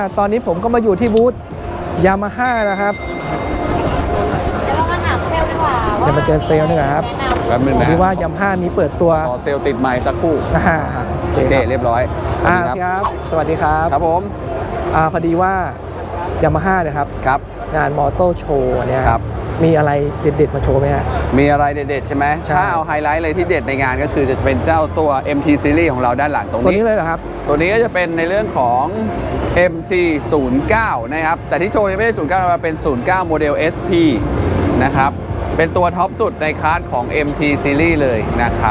ตอนนี้ผมก็มาอยู่ที่บูธยามาฮ่านะครับเดี๋ยวเรามาถามเซลล์ดีกว่าเดี๋ยวมาเจอเซลล์ดีกว่าครับแป๊บนึงนะที่ว่ายามาฮ่านี้เปิดตัวขอเซลล์ติดไมค์สักครู่โอโอเคเคครับเรียบร้อยครับ สวัสดีครับครับผมพอดีว่ายามาฮ่าเนี่ยครับครับงานมอเตอร์โชว์เนี่ยครับมีอะไรเด็ดๆมาโชว์ไหมฮะมีอะไรเด็ดๆใช่ไหมใช่ถ้าเอาไฮไลท์เลยที่เด็ดในงานก็คือจะเป็นเจ้าตัว MT Series ของเราด้านหลังตรงตัวนี้นี้เลยเหรอครับตัวนี้ก็จะเป็นในเรื่องของ MT09 นะครับ แต่ที่โชว์ยังไม่ใช่09มาเป็น 09 โมเดล SP นะครับ เป็นตัวท็อปสุดในคลาสของ MT Series เลยนะครับ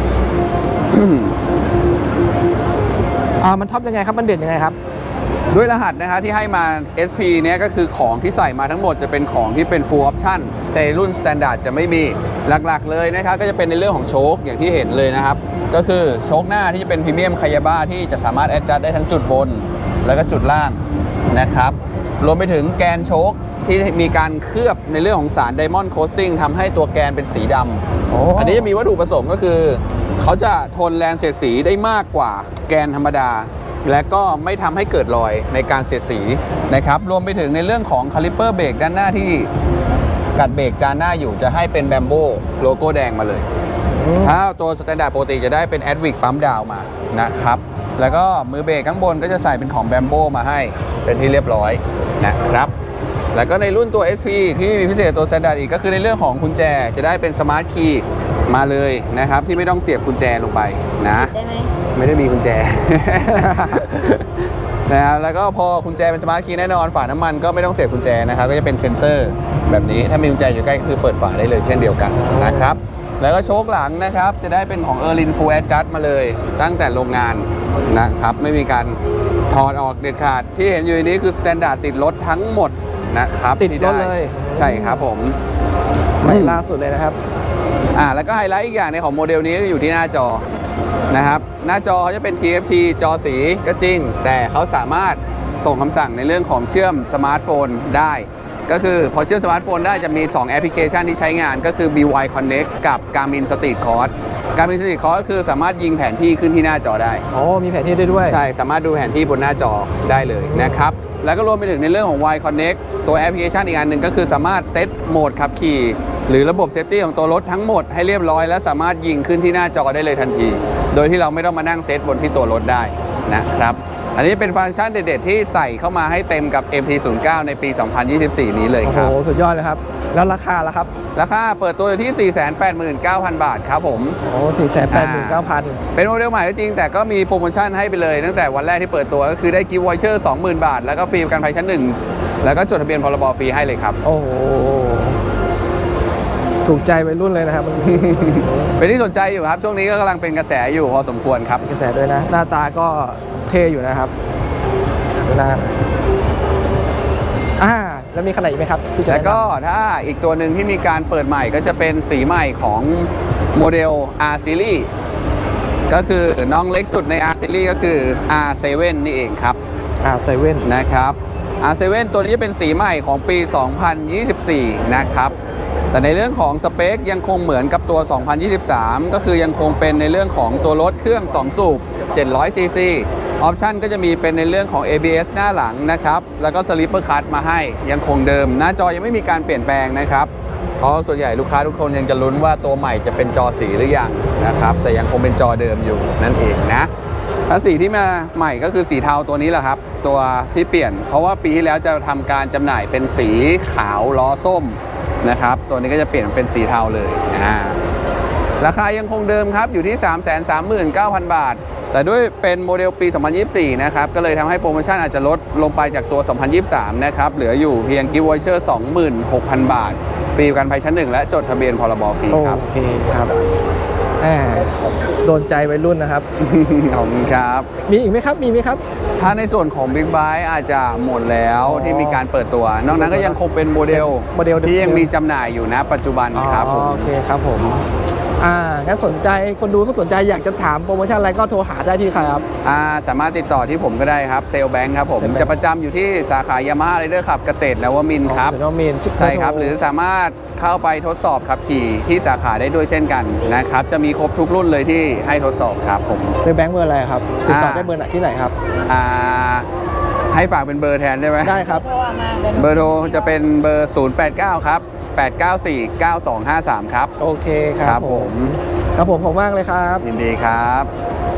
มันท็อปยังไงครับ มันเด่นยังไงครับด้วยรหัสนะคะที่ให้มา SP เนี้ยก็คือของที่ใส่มาทั้งหมดจะเป็นของที่เป็น full option แต่รุ่น standard จะไม่มีหลักๆเลยนะครับก็จะเป็นในเรื่องของโชคอย่างที่เห็นเลยนะครับ ก็คือโชคหน้าที่จะเป็นพรีเมียมคายาบ้าที่จะสามารถ adjust ได้ทั้งจุดบนแล้วก็จุดล่างนะครับรวมไปถึงแกนโชคที่มีการเคลือบในเรื่องของสาร Diamond Coating ทำให้ตัวแกนเป็นสีดำ อันนี้จะมีวัตถุประสงค์ก็คือ เขาจะทนแรงเสียดสีได้มากกว่าแกนธรรมดา และก็ไม่ทำให้เกิดรอยในการเสียดสีนะครับรวมไปถึงในเรื่องของคาลิปเปอร์เบรกด้านหน้าที่กัดเบรกจานหน้าอยู่จะให้เป็นแบมโบโลโก้แดงมาเลย ถ้าตัวสแตนดาร์ดปกติจะได้เป็นแอดวิกปั๊มดาวมานะครับแล้วก็มือเบรกข้างบนก็จะใส่เป็นของแบมโบมาให้เป็นที่เรียบร้อยนะครับแล้วก็ในรุ่นตัว SP ที่มีพิเศษตัวสแตนดาร์ดอีกก็คือในเรื่องของกุญแจจะได้เป็นสมาร์ทคีย์มาเลยนะครับที่ไม่ต้องเสียบกุญแจลงไปนะได้ไหมไม่ได้มีกุญแจ นะครับแล้วก็พอกุญแจเป็นสมาร์ทคีย์แน่นอนฝาน้ำมันก็ไม่ต้องเสียบกุญแจนะครับก็จะเป็นเซ็นเซอร์แบบนี้ถ้ามีกุญแจอยู่ใกล้ก็คือเปิดฝาได้เลยเช่นเดียวกันนะครับแล้วก็โชคหลังนะครับจะได้เป็นของ Erlin Full Adjust มาเลยตั้งแต่โรงงานนะครับไม่มีการถอดออกเด็ดขาดที่เห็นอยู่นี้คือสแตนดาร์ดติดรถทั้งหมดนะครับติดรถเลยใช่ครับผมใหม่ล่าสุดเลยนะครับแล้วก็ไฮไลท์อีกอย่างในของโมเดลนี้ก็อยู่ที่หน้าจอนะครับหน้าจอเขาจะเป็น TFT จอสีก็จริงแต่เขาสามารถส่งคำสั่งในเรื่องของเชื่อมสมาร์ทโฟนได้ก็คือพอเชื่อมสมาร์ทโฟนได้จะมี 2 แอปพลิเคชันที่ใช้งานก็คือ BY Connect กับ Garmin Street Course Garmin Street Course ก็คือสามารถยิงแผนที่ขึ้นที่หน้าจอได้มีแผนที่ได้ด้วยใช่สามารถดูแผนที่บนหน้าจอได้เลยนะครับแล้วก็รวมไปถึงในเรื่องของ Y Connect ตัวแอปพลิเคชันอีกอันหนึ่งก็คือสามารถเซตโหมดขับขี่หรือระบบเซฟตี้ของตัวรถทั้งหมดให้เรียบร้อยและสามารถยิงขึ้นที่หน้าจอได้เลยทันที โดยที่เราไม่ต้องมานั่งเซตบนที่ตัวรถได้นะครับอันนี้เป็นฟังก์ชันเด็ดๆที่ใส่เข้ามาให้เต็มกับ MT09 ในปี 2024 นี้เลยครับโอ้โห สุดยอดเลยครับ แล้วราคาล่ะครับราคาเปิดตัวอยู่ที่ 489,000 บาทครับผม 489,000 เป็นโมเดลใหม่ก็จริงแต่ก็มีโปรโมชั่นให้ไปเลยตั้งแต่วันแรกที่เปิดตัวก็คือได้กิฟต์วอเชอร์ 20,000 บาท แล้วก็ฟรีประกันภัยชั้น 1 แล้วก็จดทะเบียนพรบฟรีให้เลยครับโอ้โห ถูกใจวัยรุ่นเลยนะครับเป็นที่สนใจอยู่ครับ ช่วงนี้ก็กำลังเป็นกระแสอยู่พอสมควรครับกระแสด้วยนะ หน้าตาก็เท่อยู่นะครับดูหน้าแล้วมีขนาดอีกไหมครับที่จะแล้วก็แนะนถ้าอีกตัวหนึ่งที่มีการเปิดใหม่ก็จะเป็นสีใหม่ของโมเดล R Series ก็คือน้องเล็กสุดใน R Series ก็คือ R7 นี่เองครับำ7 นะครับ R7 ตัวนี้จะเป็นสีใหม่ของปี 2024 นะครับ แต่ในเรื่องของสเปคยังคงเหมือนกับตัว 2023 ก็คือยังคงเป็นในเรื่องของตัวรถเครื่อง 2 สูบ 700 ซีซี ออปชันก็จะมีเป็นในเรื่องของ ABS หน้าหลังนะครับ แล้วก็ Slipper Clutch มาให้ยังคงเดิม หน้าจอยังไม่มีการเปลี่ยนแปลงนะครับ เพราะส่วนใหญ่ลูกค้าทุกคนยังจะลุ้นว่าตัวใหม่จะเป็นจอสีหรือยังนะครับ แต่ยังคงเป็นจอเดิมอยู่นั่นเองนะและสีที่มาใหม่ก็คือสีเทาตัวนี้แหละครับ ตัวที่เปลี่ยน เพราะว่าปีที่แล้วจะทำการจำหน่ายเป็นสีขาวล้อส้มนะครับ ตัวนี้ก็จะเปลี่ยนเป็นสีเทาเลยราคายังคงเดิมครับอยู่ที่ 339,000 บาท แต่ด้วยเป็นโมเดลปี 2024 นะครับ ก็เลยทำให้โปรโมชั่นอาจจะลดลงไปจากตัว 2023 นะครับ เหลืออยู่เพียงกิฟต์วอเชอร์ 26,000 บาท ฟรีประกันภัยชั้น 1 และจดทะเบียนพรบฟรีครับโอเคครับโดนใจวัยรุ่นนะครับขอบคุณครับมีอีกไหมครับ มีไหมครับถ้าในส่วนของ Big Bike อาจจะหมดแล้วที่มีการเปิดตัว นอกนั้นก็ยังคงเป็นโมเดลที่ยังมีจำหน่ายอยู่นะปัจจุบันครับผมโอเคครับผมงั้นสนใจคนดูก็สนใจอยากจะถามโปรโมชั่นอะไรก็โทรหาได้ที่ใครครับสามารถติดต่อที่ผมก็ได้ครับเซลแบงค์ครับผม Sale Bank จะประจำอยู่ที่สาขายามาฮ่าไรเดอร์ขับเกษตรนวมินทร์ครับน้องมีนใช่ครับหรือสามารถเข้าไปทดสอบขับขี่ที่สาขาได้ด้วยเช่นกันนะครับจะมีครบทุกรุ่นเลยที่ให้ทดสอบครับผมเป็นแบงค์เบอร์อะไรครับติดต่อได้เบอร์ไหนที่ไหนครับ 0 ให้ฝากเป็นเบอร์แทนได้ไหมได้ครับเบอร์โทรจะเป็นเบอร์ 089 ครับ 894 9253 ครับโอเคคครัรับบผมครับผมขอบคุณมากเลยครับยินดีครับ